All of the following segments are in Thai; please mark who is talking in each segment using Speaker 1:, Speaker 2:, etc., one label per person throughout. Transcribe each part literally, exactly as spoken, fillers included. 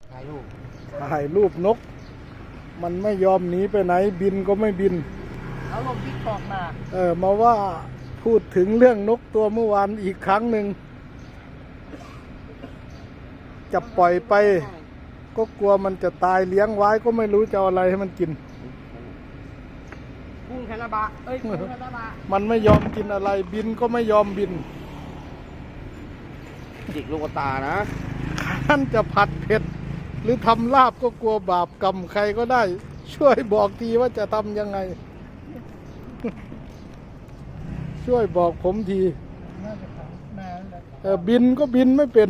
Speaker 1: ถ่ายรูป
Speaker 2: ถ่ายรูปนก มันไม่ยอมหนีไปไหนบินก็ไม่บิน
Speaker 1: เอาลงติ๊กตอกมา
Speaker 2: เออมาว่าพูดถึงเรื่องนกตัวเมื่อวานอีกครั้งหนึ่งจะปล่อยไป ก็กลัวมันจะตายเลี้ยงไว้ก็ไม่รู้จะเอาอะไรให้มันกิน
Speaker 1: กุ้งคาราบะเอ้ยกุ้งคาราบะ
Speaker 2: มันไม่ยอมกินอะไรบินก็ไม่ยอมบิน
Speaker 1: จิกลูกตานะ
Speaker 2: ท่านจะผัดเผ็ด หรือทำลาบก็กลัวบาปกรรมใครก็ได้ ช่วยบอกทีว่าจะทำยังไง ช่วยบอกผมทีเออบินก็บินไม่เป็น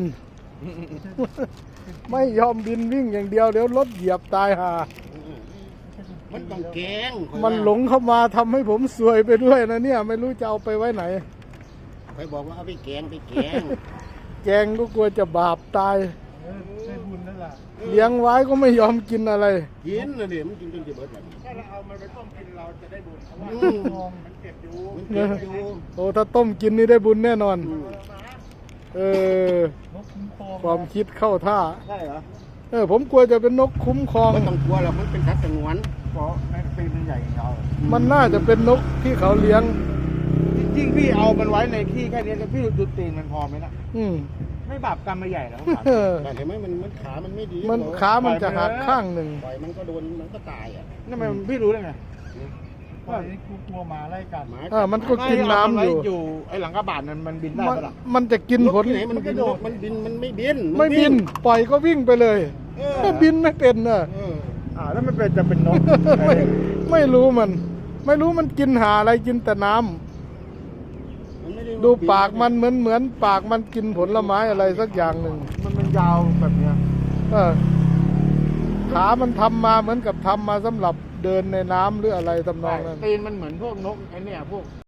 Speaker 2: ไม่ยอมบินวิ่งอย่างเดียวเดี๋ยวรถเหยียบตายห่า
Speaker 1: มันต้องแกง
Speaker 2: มันหลงเข้ามาทำให้ผมซวยไปด้วยนะเนี่ย ไม่รู้จะเอาไปไว้ไหน
Speaker 1: ใครบอกว่าเอาไปแกงไปแกง
Speaker 2: แกงก็กลัวจะบาปตาย
Speaker 3: ได้บุญแล้วล่ะ
Speaker 2: เลี้ยงไว้ก็ไม่ยอมกินอะไร
Speaker 1: กินนะเดี๋ยวมันกินจนจะเบิดแบบ
Speaker 3: ถ้าเราเอามันไปต้มกินเราจะได้บุญเพราะว่า
Speaker 1: อืม
Speaker 3: ทองมันเก็บอยู่
Speaker 1: มันเก็บอยู่
Speaker 2: โอ้ถ้าต้มกินนี่ได้บุญแน่นอน
Speaker 1: อืม
Speaker 2: เออ
Speaker 3: นกคุ้มครอง
Speaker 2: ความคิดเข้าท่า
Speaker 1: ใช่เหรอ
Speaker 2: เออ ผมกลัวจะเป็นนกคุ้มครอง
Speaker 1: ไม่ต้องกลัวหรอกมันเป็นสัตว์สงวน
Speaker 3: เพราะแม่งตีนมันใหญ่อย่างเรา
Speaker 2: มันน่าจะเป็นนกที่เขาเลี้ยง
Speaker 3: จริงๆพี่เอามันไว้ในที่แค่นี้แล้วพี่ดูตีนมันพอไหมล่ะ
Speaker 2: อืม
Speaker 3: ไม่บาปกรรมมาใหญ่แล้ว
Speaker 2: เออ
Speaker 1: แต่เห็นไหมมันมันขามันไม่ดี
Speaker 2: มันขามันจะหักข้างหนึ่ง
Speaker 1: ปล่อยมันก็โดนมันก็ตายอ่ะ
Speaker 3: นั่นมันพี่รู้ได้ไงว่ากูกลัวหมาไล่กัด
Speaker 1: หมา
Speaker 2: เออมันก็กินน้ำอยู่
Speaker 3: อยู่ไอ้หลังกระบาดนั้นมันบินได้
Speaker 2: มัน
Speaker 3: ปะล่ะ
Speaker 2: มันจะกินผล
Speaker 1: ที่ไหนมันบินมันบินมันไม่บิน
Speaker 2: ไม่บิน ปล่อยก็วิ่งไปเลย
Speaker 1: เออ
Speaker 2: บินไม่เป็นเนอะ
Speaker 1: เออ
Speaker 3: อ่าแล้วมันเป็นจะเป็นนก
Speaker 2: ไม่ไม่รู้มัน ไม่รู้มันกินหาอะไรกินแต่น้ำ
Speaker 1: มันไม่ไ
Speaker 2: ดูปากมันเหมือนเหมือนปากมันกินผลไม้อะไรสักอย่างหนึ่ง
Speaker 3: มันมันยาวแบบเนี้ย
Speaker 2: เออขามันทำมาเหมือนกับทำมาสำหรับเดินในน้ำหรืออะไรทำนองนั้น
Speaker 3: ตีนมันเหมือนพวกนกไอ้เนี่ยพวก